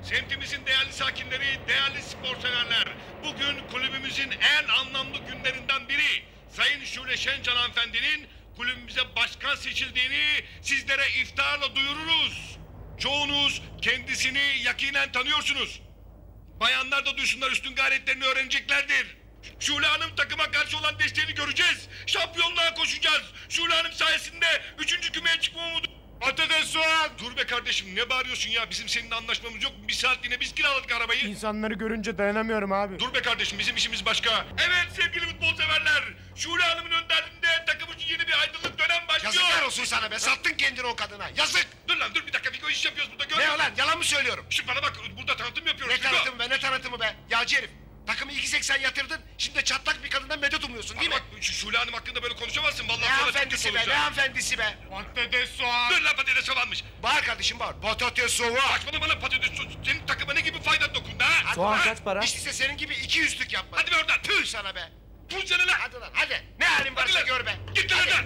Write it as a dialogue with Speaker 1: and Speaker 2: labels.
Speaker 1: Semtimizin değerli sakinleri, değerli spor severler. Bugün kulübümüzün en anlamlı günlerinden biri. Sayın Şule Şencan hanımefendinin kulübümüze başkan seçildiğini sizlere iftiharla duyururuz. Çoğunuz kendisini yakinen tanıyorsunuz. Bayanlar da duysunlar, üstün gayretlerini öğreneceklerdir. Şule Hanım takıma karşı olan desteğini göreceğiz. Şampiyonluğa koşacağız. Şule Hanım sayesinde 3. kümeye çıkma umudu. Patates soğan! Dur be kardeşim, ne bağırıyorsun ya? Bizim seninle anlaşmamız yok mu? Bir saatliğine biz kiraladık arabayı.
Speaker 2: İnsanları görünce dayanamıyorum abi.
Speaker 1: Dur be kardeşim, bizim işimiz başka. Evet sevgili futbol severler. Şule Hanım'ın önderliğinde takım için yeni bir aydınlık dönem başlıyor.
Speaker 3: Yazıklar olsun sana be, sattın kendini o kadına, yazık!
Speaker 1: Dur lan dur bir dakika, Fiko iş yapıyoruz burada.
Speaker 3: Ne lan, yalan mı söylüyorum?
Speaker 1: Şu bana bak, burada tanıtım yapıyoruz.
Speaker 3: Ne
Speaker 1: Fiko.
Speaker 3: tanıtımı be, ne tanıtımı be? Yağcı herif, takımı 2.80 yatırdın, şimdi de çatlak bir kadından medet umuyorsun değil
Speaker 1: Bana
Speaker 3: mi?
Speaker 1: bak, şu Şule Hanım hakkında böyle konuşamazsın. Vallahi
Speaker 3: Ne
Speaker 1: sonra çok kötü
Speaker 3: hanımefendisi be, ne
Speaker 1: olacak.
Speaker 3: hanımefendisi be?
Speaker 2: Patates soğan.
Speaker 1: Dur lan, patates soğanmış.
Speaker 3: Bağır kardeşim bağır, patates soğuk!
Speaker 1: Saçmalama lan patates soğan. Senin takıma ne gibi fayda dokundu ha?
Speaker 3: Hadi
Speaker 2: Soğan
Speaker 3: lan,
Speaker 2: kaç para?
Speaker 3: Hiç değilse senin gibi 200'lük yapma.
Speaker 1: Hadi be oradan.
Speaker 3: Tüh sana be!
Speaker 1: Tut seni lan.
Speaker 3: Hadi lan, hadi! Ne halin varsa
Speaker 1: lan.
Speaker 3: gör be!
Speaker 1: Git lan
Speaker 3: Hadi.
Speaker 1: oradan.